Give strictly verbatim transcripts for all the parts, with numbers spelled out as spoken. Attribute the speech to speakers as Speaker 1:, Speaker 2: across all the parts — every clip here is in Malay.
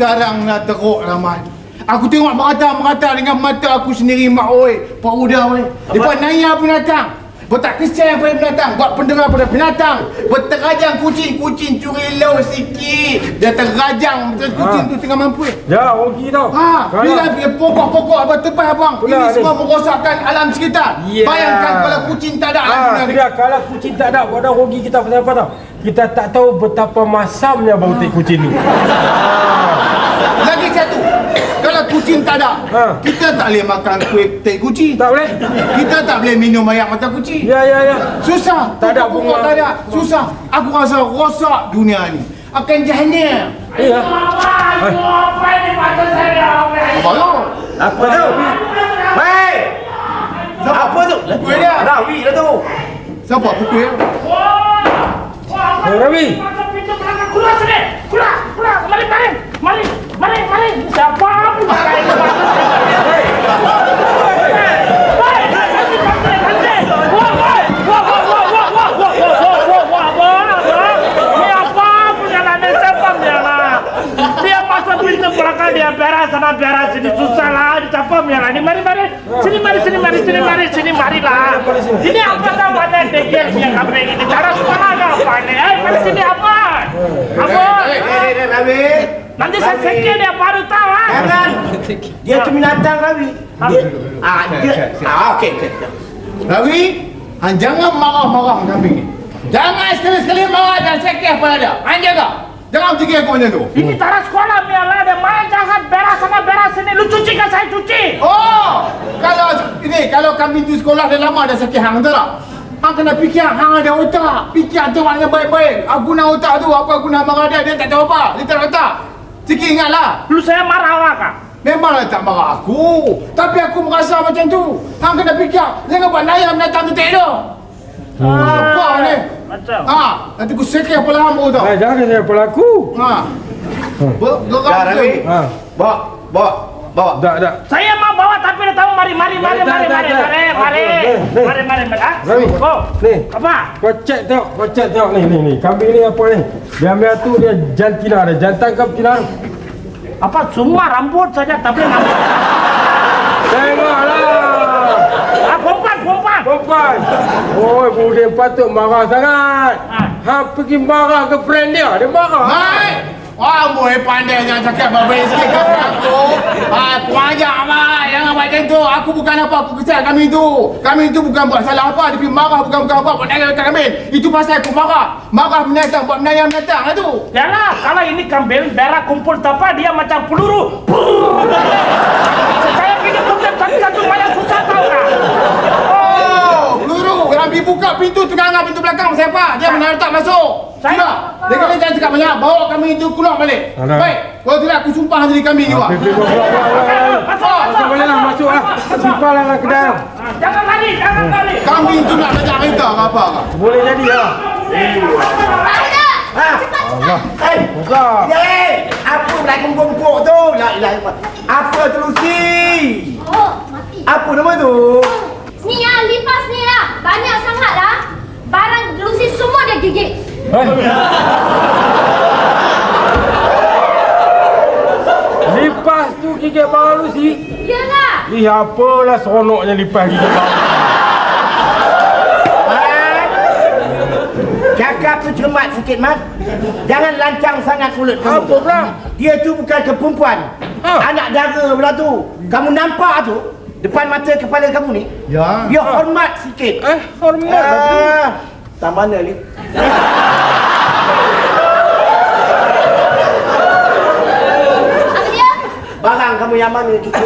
Speaker 1: sekarang nak teruk lah, Mat. Aku tengok merata-merata dengan mata aku sendiri, Mak. Oi, Pak Uda, oi. Depan naya binatang. Bertak kesian pada binatang. Buat pendengar pada binatang. Berterajang kucing-kucing curi lau sikit. Dia terajang. Betul kucing ha. tu tengah mampu.
Speaker 2: Ya, rugi tau.
Speaker 1: Ha, bila pokok-pokok abang tebal abang. Ini ni. Semua merosakkan alam sekitar. Yeah. Bayangkan kalau kucing tak ada.
Speaker 2: Ha, dia, kalau kucing tak ada, buat rugi kita pasal apa tau? Kita tak tahu betapa masamnya bau ha. kucing tu.
Speaker 1: Lagi satu, kalau kucing tak ada, ha. kita tak boleh makan kuih teh kucing.
Speaker 2: Tak boleh.
Speaker 1: Kita tak boleh minum air mata kucing.
Speaker 2: Ya, ya, ya.
Speaker 1: Susah.
Speaker 2: Tak ada bunga.
Speaker 1: Tak ada. Susah. Aku rasa rosak dunia ni. Akan jahannam.
Speaker 2: Ya.
Speaker 3: Apa ini mata saya?
Speaker 1: Apa tu?
Speaker 4: Apa tu? Hei! Apa tu?
Speaker 1: Pukul dia.
Speaker 4: Rawi lah tu.
Speaker 1: Siapa pukul dia?
Speaker 2: Hey, Rawi.
Speaker 3: Masuk pintu belakang. Keluar sini. Keluar. Keluar. Mari, mari. Mari. Mari, mari. Siapa pun pakai itu. Hei. Belakang dia beras sana beras sini susah lah dicapam ya lah. Ini mari mari sini mari sini mari sini mari sini mari lah. Ini apa tahu ada degil yang kambing ini cara sekolah apa ini? Eh mari sini apa? Apa?
Speaker 4: Eh eh Rawi.
Speaker 3: Nanti saya sekir dia baru tahu ah.
Speaker 4: Jangan. Dia tu binatang Rawi. Dia ah dia ah okey okey.
Speaker 1: Rawi, han jangan marah-marah kambing ni. Jangan sekali-sekali marah dan sekir pada dia. Han jaga. Jangan fikir aku macam tu.
Speaker 3: Ini cara sekolah mialah dia main jahat beras sana beras sini. Lu cuci kan saya cuci.
Speaker 1: Oh, kalau ini kalau kambing tu sekolah dah lama dah sakit hang tu tak? Hang kena fikir hang ada otak. Fikir tu maknanya baik-baik. Aku guna otak tu apa guna marah dia dia tak tahu apa. Dia tak ada otak. Sikit ingatlah.
Speaker 3: Lu saya marah awak kah?
Speaker 1: Memanglah tak marah aku. Tapi aku merasa macam tu. Hang kena fikir jangan buat nayam datang ke tak tu. Hmm. Apa ni?
Speaker 3: Macam.
Speaker 1: Ha, nanti aku sekir kepala hang tau.
Speaker 2: Eh, jangan saya pelaku.
Speaker 1: Ha. Bergerak tu.
Speaker 2: Ha.
Speaker 4: Bawa bawa bawa.
Speaker 2: Tak, tak.
Speaker 3: Saya mau bawa tapi dia tahu mari mari mari mari mari mari mari mari mari mari ah.
Speaker 2: Rawi.
Speaker 3: Oh,
Speaker 2: Ni.
Speaker 3: apa?
Speaker 2: Kau cek tengok, kau cek tengok ni ni ni. Kambing ni apa ni? Biar-biar tu dia jantina ada, jantan ke betina?
Speaker 3: Apa semua rambut saja tapi rambut.
Speaker 2: Tengoklah.
Speaker 3: Ah, perempuan perempuan.
Speaker 2: Perempuan. Oh, budin patut marah sangat.
Speaker 3: Ha.
Speaker 2: Ha pergi marah ke friend dia, dia marah.
Speaker 1: Hai. Wah, boleh pandai jangan cakap baik-baik sikit kat aku. Ah, kurang ajar amat. Jangan macam tu. Aku bukan apa, aku kesal kami tu. Kami tu bukan buat salah apa, dia pergi marah bukan bukan apa, buat naya kat kami. Itu pasal aku marah. Marah binatang, buat menayam binatang lah tu.
Speaker 3: Yalah, kalau ini kambing berak kumpul tapa dia macam peluru. Saya gini kumpul satu-satu banyak susah tahu kan?
Speaker 1: Oh, peluru. Yang pergi buka pintu tengah pintu belakang siapa? Dia mana letak masuk. Sudah. Dia kata jangan cakap banyak. Bawa kami itu keluar balik.
Speaker 2: Alah.
Speaker 1: Baik. Kalau tidak aku sumpah diri kami ni, Wak.
Speaker 2: Masuk, masuk, bolehlah masuk lah. Simpahlah lah ke dalam.
Speaker 3: Jangan lari, jangan lari.
Speaker 1: Kami itu nak belajar kereta ke apa ke?
Speaker 2: Boleh jadi lah.
Speaker 4: Ha.
Speaker 2: Allah.
Speaker 4: Hei.
Speaker 2: Buka.
Speaker 4: Hei, apa nak kumpul tu? La ilaha illallah. Apa tu Lucy?
Speaker 5: Oh, mati.
Speaker 4: Apa nama tu?
Speaker 5: Ni yang lipas ni lah. Banyak sangat lah. Barang Lucy semua dia gigit.
Speaker 2: Eh. Lipas tu gigit barang Lucy.
Speaker 5: Yalah.
Speaker 2: Ih, apalah seronoknya lipas gigit barang.
Speaker 4: Cakap tu cermat sikit, Mat. Jangan lancang sangat mulut kamu.
Speaker 2: Apa pula?
Speaker 4: Dia tu bukan ke perempuan.
Speaker 2: Ha.
Speaker 4: Anak dara pula tu. Kamu nampak tu? Depan mata kepala kamu ni?
Speaker 1: Ya.
Speaker 4: Dia hormat sikit.
Speaker 2: Eh, hormat lah tu.
Speaker 4: Ah, tak mana ni?
Speaker 5: Apa dia?
Speaker 4: Barang kamu yang mana cucu?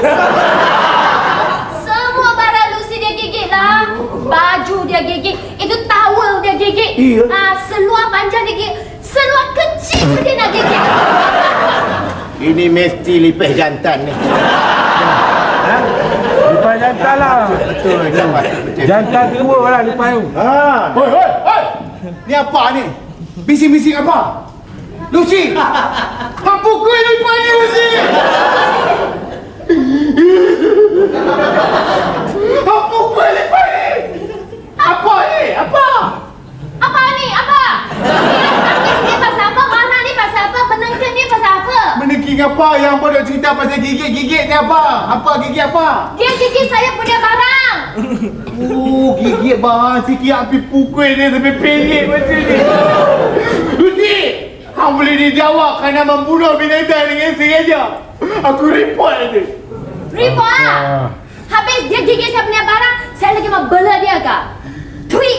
Speaker 5: Semua barang Lucy dia gigit lah. Baju dia gigit. Itu towel dia gigit.
Speaker 4: Iya.
Speaker 5: Ah, seluar panjang dia gigit. Seluar kecil pun dia nak gigit.
Speaker 4: Ini mesti lipih jantan ni.
Speaker 2: Ha? Lipas jantan lah.
Speaker 4: Betul, jantan.
Speaker 2: Jantan tua lah lipas tu.
Speaker 4: Ha.
Speaker 1: Hoi, hoi, hoi. Ni apa ni? Bising-bising apa? Lucy! Hang pukul lipas ni, Lucy! Hang pukul lipas ni! Apa ni? Apa?
Speaker 5: Apa ni? Apa? Tangkis ni pasal apa? Warna ni pasal apa? Penengking ni pasal apa?
Speaker 1: Menengking apa Apa yang pada cerita pasal gigit-gigit ni apa? Apa gigit apa?
Speaker 5: Dia gigit saya punya barang.
Speaker 1: Oh, gigit barang sikit api pukul dia sampai pelik macam ni. Lucy, hang boleh dijawab kerana membunuh binatang dengan sengaja. Aku report dia.
Speaker 5: Report ah. Habis dia gigit saya punya barang, saya lagi mau bela dia ke? Tweet.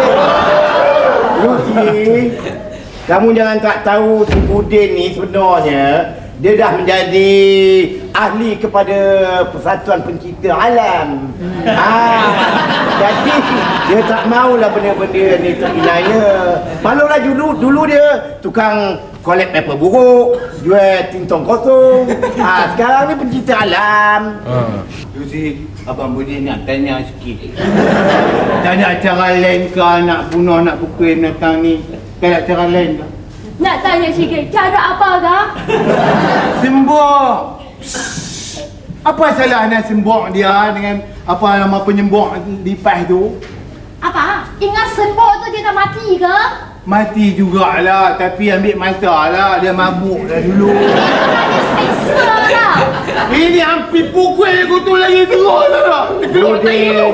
Speaker 4: Lucy, kamu jangan tak tahu si Budin ni sebenarnya dia dah menjadi ahli kepada Persatuan Pencipta Alam. Ah, jadi dia tak maulah benda-benda ni terinaya. Malulah dulu dulu dia tukang collect paper buruk, jual tintong kosong. Ah, sekarang ni pencipta alam.
Speaker 1: Lucy, Abang Budin nak tanya sikit. Tak ada cara lain ke nak bunuh, nak pukul binatang ni? Tak ada cara lain ke?
Speaker 5: Nak tanya sikit, cara apa ke?
Speaker 1: Sembok. Apa salahnya sembok dia dengan apa nama penyembok lipas tu?
Speaker 5: Apa? Ingat sembok tu dia tak mati ke?
Speaker 1: Mati jugalah, tapi ambil masa lah. Dia mabuk dah dulu.
Speaker 5: Dia seksa lah.
Speaker 1: Ini hampir pukul aku tu lagi teruk tak? Terkeluar tak hidup.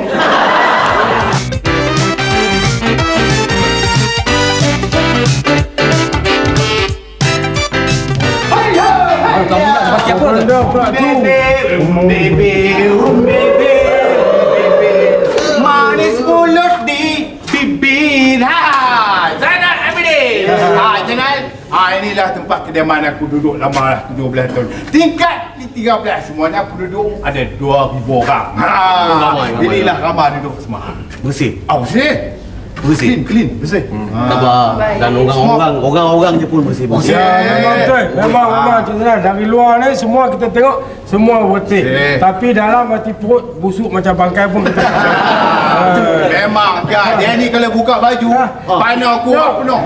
Speaker 6: Kamu nak pakai apa tu?
Speaker 2: Benda pula tu.
Speaker 1: Baby, um baby, um baby, baby. Manis mulut di bibir. Ha, Zainal Abidin. Ha, Zainal. Ha, inilah tempat kediaman aku duduk lama lah, dua belas tahun. Tingkat di tiga belas, semuanya aku duduk ada dua ribu orang. Ha,
Speaker 6: Ramai, ramai,
Speaker 1: inilah ramai duduk semua.
Speaker 6: Bersih.
Speaker 1: Oh, bersih.
Speaker 6: Bersih.
Speaker 1: Clean, clean, bersih.
Speaker 6: Sabar. Dan orang-orang orang-orang je pun bersih.
Speaker 1: Bersih.
Speaker 2: Ya, memang betul. Memang memang Cik Zainal. Dari luar ni semua kita tengok semua bersih.
Speaker 1: Bersih.
Speaker 2: Tapi dalam hati perut busuk macam bangkai pun kita.
Speaker 1: Memang kan, dia ni kalau buka baju, panah aku penuh.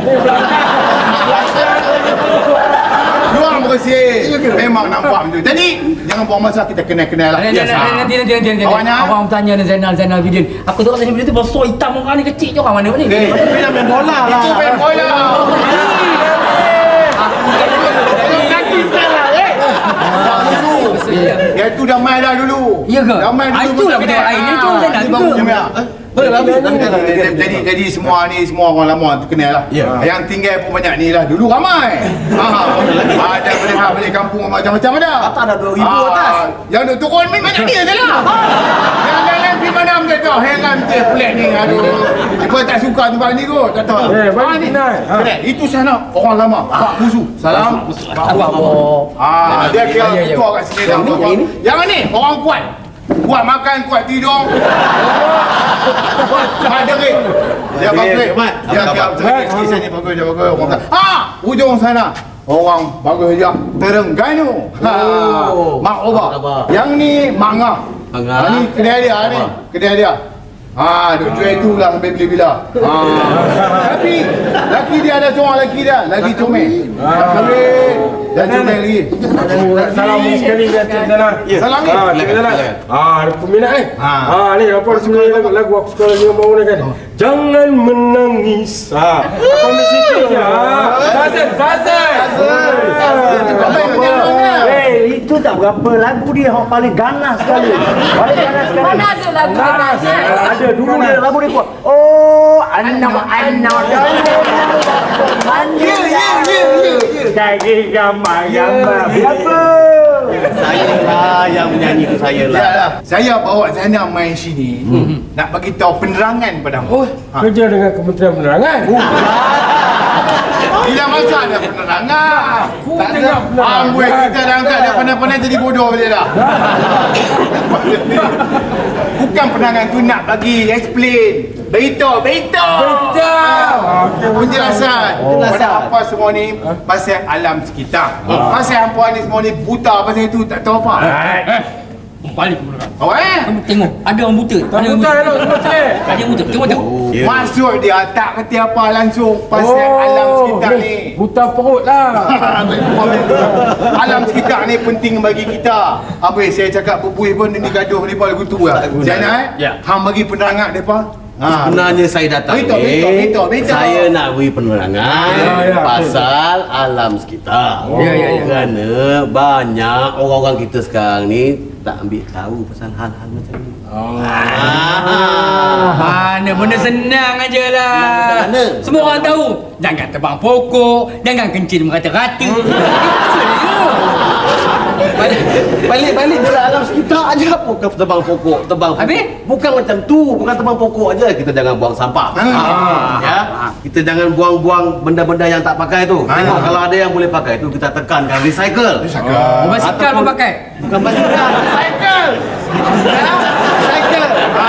Speaker 1: Luar bersih. Memang nampak macam tu. Jadi, jangan buang masa, kita kenal-kenal lah.
Speaker 6: Nanti nanti nanti nanti nanti.
Speaker 1: Awaknya?
Speaker 6: Abang bertanya dengan Zainal Zainal Abidin. Aku tengok tadi video tu besar hitam orang ni kecil je orang mana ni?
Speaker 1: Eh,
Speaker 6: Mana?
Speaker 4: Dia nak main bola lah.
Speaker 1: itu main bola. Tengok kaki sekarang, eh. Yang tu dah main dah dulu.
Speaker 6: Ya ke?
Speaker 1: Dah main
Speaker 6: Ah,
Speaker 1: dulu.
Speaker 6: itulah benda lain. Itu Zainal
Speaker 1: Ini baru
Speaker 6: juga.
Speaker 1: Jamil.
Speaker 6: Boleh bagus.
Speaker 1: Jadi jadi semua ni semua orang lama terkenal lah.
Speaker 6: Ya.
Speaker 1: Yang tinggal pun banyak ni lah. Dulu ramai. Ha. Ada balik-balik kampung macam-macam ada.
Speaker 4: Atas dah dua ribu
Speaker 1: Ah,
Speaker 4: atas.
Speaker 1: Yang duk turun ni banyak dia je lah. Yang dalam pergi mana dia tahu. Heran dia pelik ni. Aduh. Apa tak suka tempat ni kot. Tak tahu.
Speaker 2: Eh, baik
Speaker 1: Ah, ni.
Speaker 2: kenal. Ha.
Speaker 1: Kedai. Itu sana orang lama. Pak Busu. Salam. Pak Busu. Ah, dia kira
Speaker 6: Ya, ya, ya.
Speaker 1: ketua kat sini dah.
Speaker 6: Yang ni, yang ni?
Speaker 1: Yang ni orang kuat. Kuat makan, kuat tidur. Kuat derik. Dia bagus. Dia bagus. Kisah ni bagus, dia bagus. Orang kata, ha, ujung sana. Orang bagus je. Terengganu. Ha.
Speaker 6: Oh.
Speaker 1: Mak Oba.
Speaker 6: Abah.
Speaker 1: Yang ni Mak Ngah.
Speaker 6: Mak Ngah.
Speaker 1: Ha, ni kedai dia ni.
Speaker 6: Abah.
Speaker 1: Kedai dia. Ha, duk jual tu lah sampai bila-bila. Ha. Tapi laki dia ada seorang laki dia, lagi comel. Kahwin dan comel lagi.
Speaker 2: Salam sekali kat Cik Zainal.
Speaker 1: Salam ni.
Speaker 2: Ah, Cik Zainal. Ah, ada peminat ni.
Speaker 1: Ha.
Speaker 2: Ah, ni apa sebenarnya lagu lagu aku suka lagi yang baru ni kan. Jangan menangis. Ah, kami sikit je. Ah, Fazal, Fazal.
Speaker 4: Eh, itu tak berapa lagu dia yang paling ganas sekali. Paling ganas sekali.
Speaker 5: Mana ada lagu
Speaker 2: Ganas.
Speaker 5: ganas?
Speaker 4: Ada dulu dia lagu dia kuat. Oh, anak anak mandi. Ya ya ya ya. Jadi gambar gambar. Berapa? Saya lah yang menyanyi tu saya lah.
Speaker 1: Ya lah. Saya bawa Zainal main sini nak bagi tahu penerangan pada
Speaker 2: Oh, kerja dengan Kementerian Penerangan.
Speaker 1: bila masa ada penerangan. Tak ada
Speaker 2: tengok penerangan.
Speaker 1: amboi kita dah angkat dah pandai-pandai jadi bodoh boleh dah. Bukan penerangan tu nak bagi explain. Beritahu, beritahu.
Speaker 2: Betul.
Speaker 1: Penjelasan pada apa semua ni pasal alam sekitar. Pasal hampa ni semua ni buta pasal itu tak tahu apa.
Speaker 6: Balik ke belakang.
Speaker 1: Oh eh?
Speaker 6: Kamu tengok, ada orang buta.
Speaker 2: Tak buta elok semua celik.
Speaker 6: Ada yang buta. Tengok tengok.
Speaker 1: Maksud dia tak kerti apa langsung pasal alam sekitar ni.
Speaker 2: Buta perut lah.
Speaker 1: Alam sekitar ni penting bagi kita. Apa saya cakap berbuih pun ni gaduh ni lagu tu lah. Zainal,
Speaker 6: Ya.
Speaker 1: hang bagi penerangan depa Ha.
Speaker 7: Sebenarnya saya datang
Speaker 1: Beritahu,
Speaker 7: ni,
Speaker 1: beritahu, beritahu, beritahu.
Speaker 7: saya nak beri penerangan
Speaker 2: Ya, ya,
Speaker 7: pasal alam sekitar.
Speaker 6: Ya, ya, ya.
Speaker 7: Kerana banyak orang-orang kita sekarang ni tak ambil tahu pasal hal-hal macam ni.
Speaker 6: Oh.
Speaker 7: Ah.
Speaker 6: Mana benda senang aje lah.
Speaker 7: Mana?
Speaker 6: Semua orang tahu. Jangan tebang pokok, jangan kencing merata-rata.
Speaker 7: Balik, balik, balik dalam alam sekitar aja. Bukan tebang pokok, tebang pokok.
Speaker 6: Habis?
Speaker 7: Bukan macam tu, bukan tebang pokok aja. Kita jangan buang sampah.
Speaker 1: Ah.
Speaker 7: Ya. Kita jangan buang-buang benda-benda yang tak pakai tu. Tengok kalau ada yang boleh pakai tu kita tekankan recycle.
Speaker 1: Cakap.
Speaker 6: Basikal pun pakai.
Speaker 7: Bukan basikal, recycle.
Speaker 1: Ya, cycle. Ha.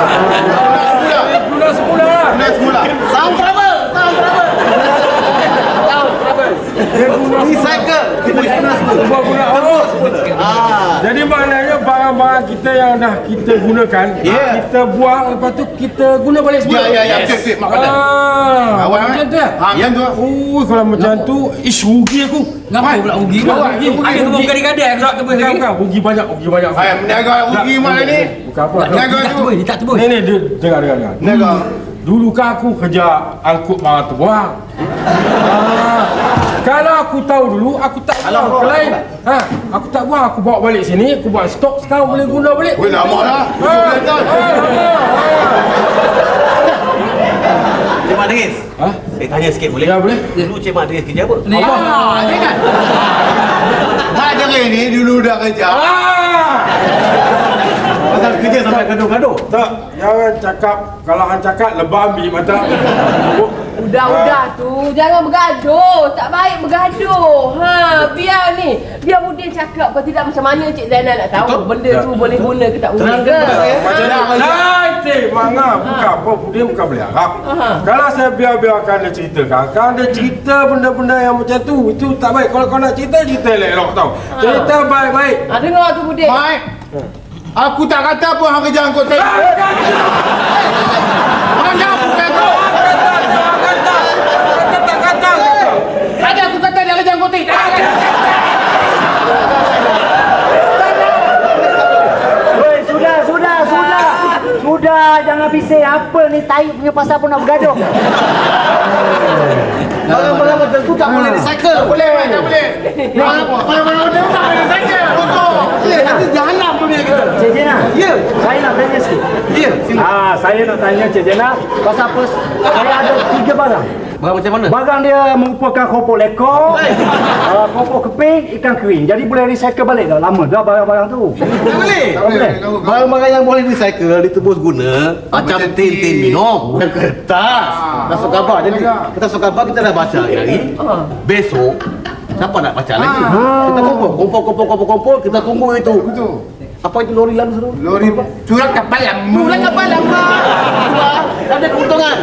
Speaker 2: Guna semula.
Speaker 1: Guna semula.
Speaker 7: Sound trouble, sound trouble. Sound trouble.
Speaker 2: Dia guna
Speaker 7: Recycle. Kita guna semua.
Speaker 2: Buat guna oh.
Speaker 7: Ah.
Speaker 2: Jadi maknanya barang-barang kita yang dah kita gunakan,
Speaker 7: Ya.
Speaker 2: kita buang, lepas tu kita guna balik
Speaker 1: Ya,
Speaker 2: semula.
Speaker 1: ya, ya. Betul, betul. Mak kata.
Speaker 2: Ah,
Speaker 1: Awak
Speaker 2: macam tu ya?
Speaker 1: Ha, macam tu.
Speaker 2: Oh, kalau macam tu, ish rugi aku.
Speaker 6: Ngapa pula rugi?
Speaker 1: Awak,
Speaker 6: Rugi.
Speaker 1: rugi,
Speaker 6: Ada kebun
Speaker 2: rugi.
Speaker 6: gadai-gadai aku nak tebus
Speaker 2: Bukan,
Speaker 6: lagi.
Speaker 2: bukan, rugi banyak, rugi banyak.
Speaker 1: Hai, meniaga rugi mana ni?
Speaker 2: Bukan apa.
Speaker 6: Dia
Speaker 1: Niaga
Speaker 6: tak
Speaker 1: tu.
Speaker 6: tebus, dia tak tebus.
Speaker 2: Ni ni dia dengar dengar dengar.
Speaker 1: Niaga.
Speaker 2: Dulu kan aku kerja angkut barang terbuang. Ah, kalau aku tahu dulu, aku tak buang ke lain. Ha, aku tak buang, aku bawa balik sini, aku buat stok, sekarang boleh guna balik.
Speaker 1: Weh, lama lah.
Speaker 2: Ha, ha, ha.
Speaker 7: Cik Mak Dengis.
Speaker 2: Ha?
Speaker 7: Saya tanya sikit boleh?
Speaker 2: Ya, boleh.
Speaker 7: Dulu Cik Mak Dengis kerja apa?
Speaker 6: Ni.
Speaker 1: Ah, jangan. Mak Dengis ni dulu dah kerja.
Speaker 2: Ah!
Speaker 7: Pasal kerja sampai gaduh-gaduh.
Speaker 2: Tak, jangan cakap, kalau hang cakap lebah ambil mata.
Speaker 8: Udah-udah tu, jangan bergaduh. Tak baik bergaduh. Ha, biar ni. Biar Budin cakap kalau tidak macam mana Cik Zainal nak tahu
Speaker 2: Betul.
Speaker 8: benda
Speaker 2: Ya.
Speaker 8: tu boleh guna ke tak boleh
Speaker 7: Terangkan
Speaker 8: ke.
Speaker 7: kepada saya.
Speaker 2: Macam
Speaker 1: Dah,
Speaker 2: ni. Nanti, Manga, bukan apa, dia bukan boleh harap.
Speaker 8: Aha.
Speaker 2: Kalau saya biar-biarkan dia ceritakan, kalau dia cerita benda-benda yang macam tu, itu tak baik. Kalau kau nak cerita, cerita elok tau. Cerita baik-baik.
Speaker 8: Ha, dengar tu Budin.
Speaker 1: Mak, aku tak kata apa hang kerja angkut saya. Hang jangan bukan tu. Ada aku kata dia kerja angkut saya.
Speaker 9: Woi, sudah, sudah, sudah. Sudah, jangan bising. Apa ni tai punya pasal pun nak bergaduh.
Speaker 7: Barang-barang macam tu tak boleh recycle.
Speaker 1: Tak boleh, tak boleh. Mana-mana dia tak boleh saja. Betul.
Speaker 7: Ya, nanti jahanam dunia kita.
Speaker 9: Cik Jena,
Speaker 7: Ya.
Speaker 9: saya nak tanya sikit.
Speaker 7: Ya, sila.
Speaker 9: Ah, saya nak tanya Cik Jena, pasal apa? Saya ada tiga barang.
Speaker 7: Barang macam mana?
Speaker 9: Barang dia merupakan keropok lekor, uh, keropok keping, ikan kering. Jadi boleh recycle balik dah. Lama dah barang-barang tu.
Speaker 7: Tak boleh.
Speaker 1: Tak boleh.
Speaker 7: Barang-barang yang boleh recycle ditebus guna macam
Speaker 1: macam
Speaker 7: tin-tin
Speaker 1: tin.
Speaker 7: minum, bukan kertas.
Speaker 1: Ah.
Speaker 7: Dah surat khabar. Jadi kertas surat khabar kita dah baca hari hari. Besok siapa nak baca lagi? Kita kumpul, kumpul, kumpul, kumpul, kumpul. Kita tunggu itu.
Speaker 1: Betul.
Speaker 7: Apa itu lori lalu seru?
Speaker 1: Lori surat kapal yang
Speaker 7: Bulan kapal lama. Ada keuntungan.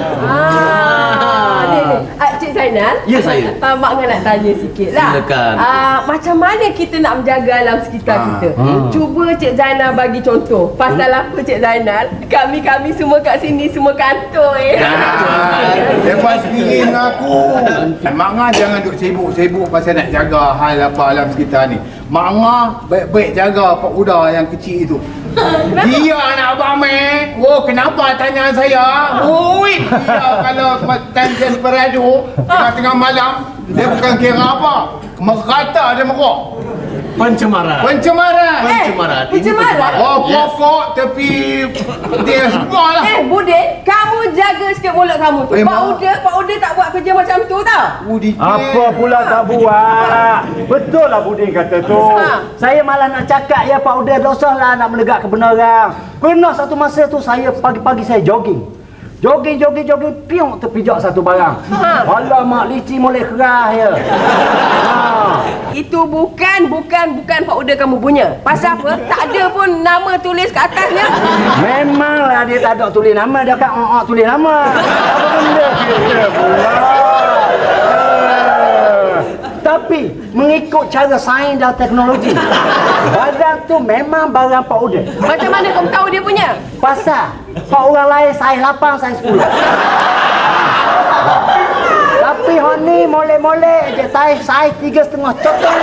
Speaker 8: Ah, ni ni. Ah, Cik Zainal.
Speaker 7: Ya, saya.
Speaker 8: Ah, Mak Ngah nak tanya sikit lah.
Speaker 7: Silakan.
Speaker 8: Ah, macam mana kita nak menjaga alam sekitar
Speaker 1: Ah.
Speaker 8: kita? Cuba Cik Zainal bagi contoh. Pasal apa Cik Zainal? Kami-kami semua kat sini semua kantor eh.
Speaker 1: Lepas sendiri dengan aku. Mak Ngah jangan duk sibuk-sibuk pasal nak jaga hal apa alam sekitar ni. Mak Ngah baik-baik jaga pak uda yang kecil itu. Dia anak abang meh. Oh, kenapa tanya saya? Oi, dia kalau time desperado tengah-tengah malam, dia bukan kira apa. Merata dia merok.
Speaker 7: Pencemaran.
Speaker 1: Pencemaran.
Speaker 7: Pencemaran. Ini
Speaker 8: pencemaran?
Speaker 1: Oh, pokok tepi dia semua lah.
Speaker 8: Eh, Budin, kamu jaga sikit mulut kamu tu.
Speaker 1: Eh,
Speaker 8: Pak
Speaker 1: Mak.
Speaker 8: Uda, Pak Uda tak buat kerja macam tu tau.
Speaker 1: Oh, dikit.
Speaker 9: Apa pula tak buat? Betul lah Budin kata tu.
Speaker 8: Ha.
Speaker 9: Saya malah nak cakap ya Pak Uda dosa lah nak menegak kebenaran. Pernah satu masa tu saya pagi-pagi saya jogging. Jogging, jogging, jogging, piung terpijak satu barang.
Speaker 8: Ha.
Speaker 9: Alamak, licin boleh kerah ya. Ha.
Speaker 8: Itu bukan, bukan, bukan Pak Uda kamu punya. Pasal apa? Tak ada pun nama tulis kat atasnya.
Speaker 9: Memanglah dia tak ada tulis nama, dia kan oh, tulis nama. Apa benda dia pula? Eh, Tapi mengikut cara sains dan teknologi, barang tu memang barang Pak Uda.
Speaker 8: Macam mana kamu tahu dia punya?
Speaker 9: Pasal Pak orang lain saiz lapan, saiz sepuluh. Tapi hon ni molek-molek je saiz saiz tiga setengah coklat.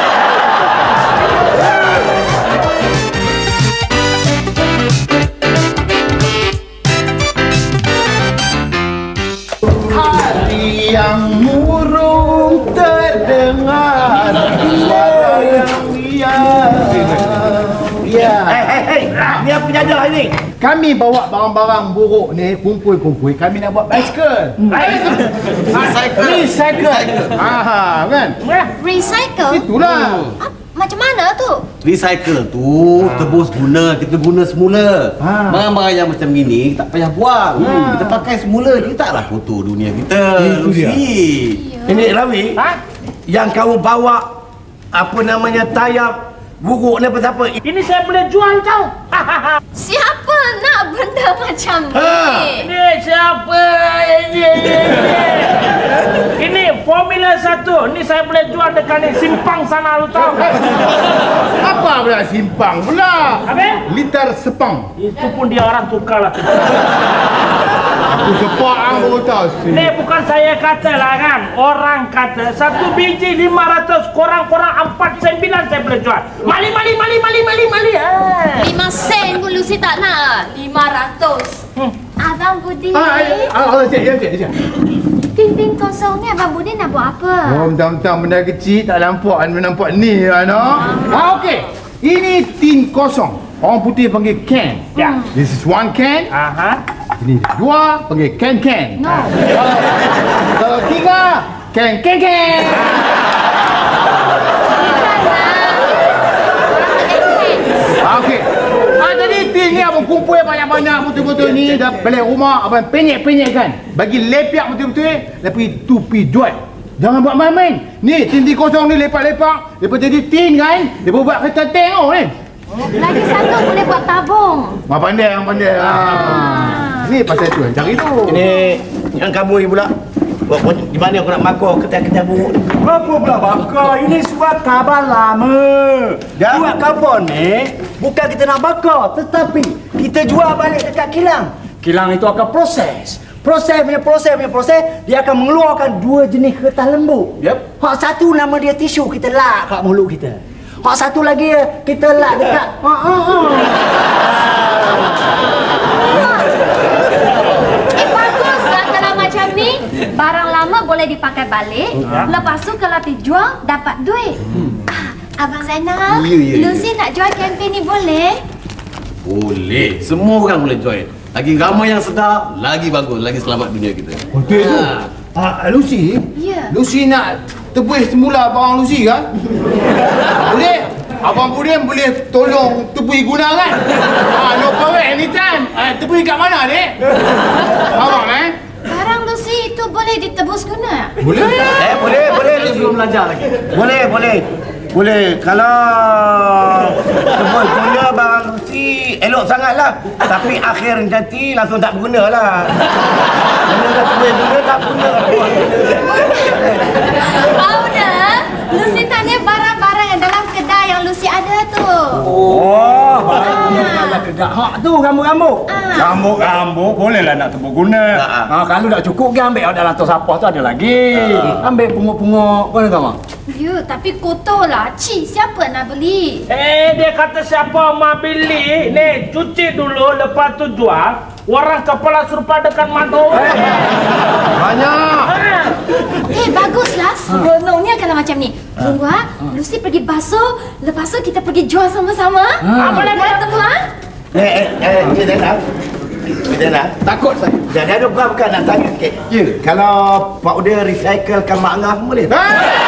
Speaker 1: Ya.
Speaker 4: Hei, hei, hei. Ni apa jadah ni?
Speaker 1: Kami bawa barang-barang buruk ni kumpul-kumpul. Kami nak buat basikal.
Speaker 7: Recycle.
Speaker 1: Recycle. Ah, kan?
Speaker 5: Recycle?
Speaker 1: Itulah.
Speaker 5: Ah, macam mana tu?
Speaker 7: Recycle tu tebus guna, kita guna semula.
Speaker 1: Ha.
Speaker 7: Barang-barang yang macam gini tak payah buang. Kita pakai semula, kita taklah kotor dunia kita.
Speaker 1: Itu dia.
Speaker 7: Lucy.
Speaker 4: Ini Rawi.
Speaker 3: Ha?
Speaker 4: Yang kamu bawa apa namanya tayar buruk ni apa siapa?
Speaker 3: Ini saya boleh jual tau.
Speaker 5: Siapa nak benda macam ni?
Speaker 4: Ha.
Speaker 3: Ini siapa? Ini, ini, ini. Ini Formula satu. Ini saya boleh jual dekat ni simpang sana lu tahu.
Speaker 1: Apa pula simpang pula?
Speaker 3: Apa?
Speaker 1: Liter sepang.
Speaker 3: Itu pun dia orang tukar lah.
Speaker 1: Aku sepak aku tahu.
Speaker 3: Ini bukan saya kata lah kan. Orang kata satu biji lima ratus, korang-korang empat sembilan saya boleh jual. Mali, mali, mali, mali, mali, mali. Ah.
Speaker 5: Lima sen pun Lucy tak nak. Lima ratus.
Speaker 3: Hmm.
Speaker 5: Abang Budi.
Speaker 1: Ah, ah, ah, cik, ya, cik, cik.
Speaker 5: Tin-tin kosong ni Abang Budi nak buat apa?
Speaker 1: Oh, mentang-mentang benda kecil tak nampak, nampak ni lah, no? Ah, okey. Ini tin kosong. Orang putih panggil can.
Speaker 3: Ya.
Speaker 1: This is one can.
Speaker 3: Aha.
Speaker 1: Ini dua panggil can-can.
Speaker 5: No.
Speaker 1: Kalau tiga, can-can-can. Ah, okey. Ah, jadi tin ni abang kumpul banyak-banyak betul-betul ni dah balik rumah abang penyek-penyek kan. Bagi lepak betul-betul, lepas itu pi jual. Jangan buat main-main. Ni tin tin kosong ni lepak-lepak, lepas jadi tin kan, lepas buat kereta tank oh ni.
Speaker 5: Lagi satu boleh buat tabung.
Speaker 1: Mak pandai, yang pandai. Ah. Ni pasal tu yang cari tu.
Speaker 4: Ini yang kamu ni pula. Buat buat di mana aku nak makar ketai-ketai buruk ni?
Speaker 9: Apa pula bakar? Ini surat khabar lama.
Speaker 4: Ya?
Speaker 9: Surat khabar ni bukan kita nak bakar, tetapi kita jual balik dekat kilang. Kilang itu akan proses. Proses punya proses punya proses, dia akan mengeluarkan dua jenis kertas lembut.
Speaker 4: Yep.
Speaker 9: Hak satu nama dia tisu, kita lak kat mulut kita. Hak satu lagi kita lak dekat. Ha ha ha.
Speaker 5: Eh baguslah kalau macam ni. Barang lama boleh dipakai balik. Lepas tu kalau dijual dapat duit. Ah, Abang Zainal,
Speaker 7: Ya, ya, ya.
Speaker 5: Lucy nak jual kempen ni boleh?
Speaker 7: Boleh. Semua orang boleh join. Lagi ramai yang sedar, lagi bagus, lagi selamat dunia kita.
Speaker 1: Betul tu. Ah, Lucy?
Speaker 5: Ya.
Speaker 1: Lucy nak tebus semula barang Lucy kan? Boleh? Abang Budin boleh tolong tebus guna kan? Ah, no problem anytime. Ah, tebus kat mana dek? Abang eh?
Speaker 5: Barang Lucy itu boleh ditebus guna?
Speaker 1: Boleh?
Speaker 4: Eh, boleh, boleh.
Speaker 9: Kita belum belajar lagi.
Speaker 4: Boleh, boleh. Boleh. Kalau tebus guna barang Lucy, elok sangatlah. Tapi akhir nanti langsung tak berguna lah. Mana dah tebus guna, tak berguna.
Speaker 5: Powder, Lucy tanya barang-barang yang dalam kedai yang Lucy ada tu.
Speaker 9: Oh, barang dalam kedai. Hak tu rambut-rambut.
Speaker 5: Ah.
Speaker 9: Rambut-rambut bolehlah nak tebus guna. Ha, kalau tak cukup ke ambil dalam tos sampah tu ada lagi. Ambil pungut-pungut. Mana kamu?
Speaker 5: Ya, tapi kotor lah. Cik, siapa nak beli?
Speaker 3: Eh, dia kata siapa mau beli, ni cuci dulu, lepas tu jual. Orang kepala serupa dekat madu.
Speaker 1: Banyak.
Speaker 3: Ha.
Speaker 5: Eh, baguslah. Seronoknya kalau macam ni. Tunggu ha. Lucy pergi basuh, lepas tu kita pergi jual sama-sama.
Speaker 3: Ah, boleh, boleh.
Speaker 5: Tunggu ha.
Speaker 4: Eh, eh, eh, Encik Zainal. Encik Zainal.
Speaker 1: Takut saya.
Speaker 4: Jadi ada bukan-bukan nak tanya sikit.
Speaker 1: Ya.
Speaker 4: Kalau Pak Uda recyclekan Mak Angah boleh tak?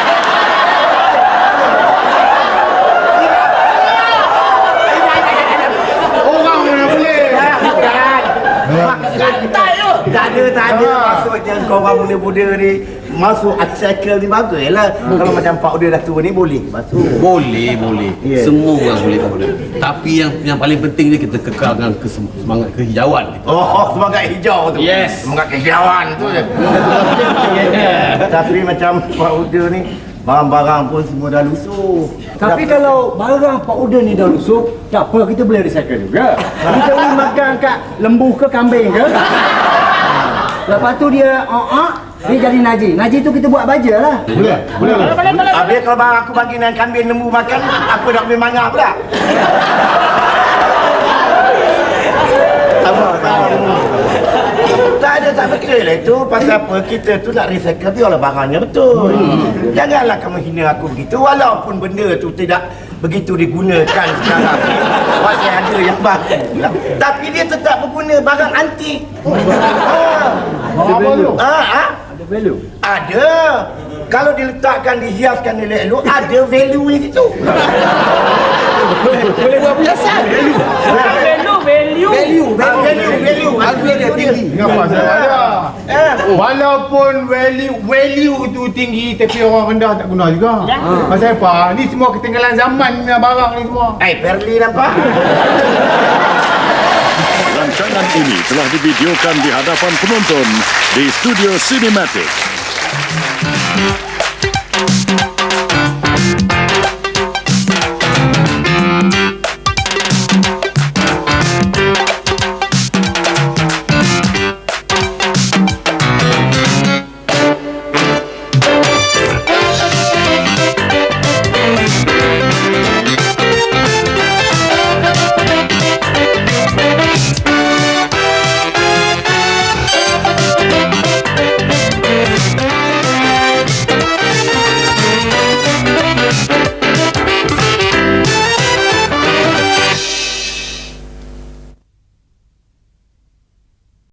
Speaker 1: Orang mana boleh?
Speaker 4: Tak ada, tak ada. Maksudnya korang muda-muda ni masuk upcycle ni bagus lah. Kalau macam Pak Uda dah tua ni boleh masuk.
Speaker 7: Boleh, boleh.
Speaker 4: Ya.
Speaker 7: Semua orang boleh boleh. Tapi yang yang paling penting ni kita kekalkan kesem- semangat kehijauan kita.
Speaker 4: Oh, oh, semangat hijau tu.
Speaker 7: Yes.
Speaker 4: Semangat kehijauan tu je. Tapi macam Pak Uda ni barang-barang pun semua dah lusuh.
Speaker 9: Tapi kalau barang Pak Uda ni dah lusuh, tak apa, kita boleh recycle juga. Kita boleh makan kat lembu ke kambing ke. Lepas tu dia uh, uh, dia jadi naji. Naji tu kita buat baja lah.
Speaker 1: Boleh? Boleh?
Speaker 3: Boleh, boleh, boleh.
Speaker 4: Habis kalau barang aku bagi dengan kambing lembu makan, apa nak beli mangga pula? Apa? Tak ada, tak betul lah itu. Pasal apa kita tu nak recycle, biarlah barangnya betul. Janganlah kamu hina aku begitu. Walaupun benda tu tidak begitu digunakan sekarang masih ada yang baru pula. Tapi dia tetap berguna barang antik.
Speaker 1: Apa tu?
Speaker 4: Ah, ah,
Speaker 9: Ada value.
Speaker 4: ada. Kalau diletakkan, dihiaskan elok-elok, ada value di situ.
Speaker 7: Boleh buat perhiasan.
Speaker 6: Value, value.
Speaker 7: Value,
Speaker 4: Ah, value, value.
Speaker 7: Harga dia tinggi.
Speaker 1: Kenapa saya ada?
Speaker 4: Eh,
Speaker 1: Walaupun value value tu tinggi tapi orang rendah tak guna juga.
Speaker 3: Ya.
Speaker 1: Pasal apa? Ni semua ketinggalan zaman punya barang ni semua.
Speaker 4: eh, Perli nampak?
Speaker 10: Rancangan ini telah divideokan di hadapan penonton di Studio Cinematic.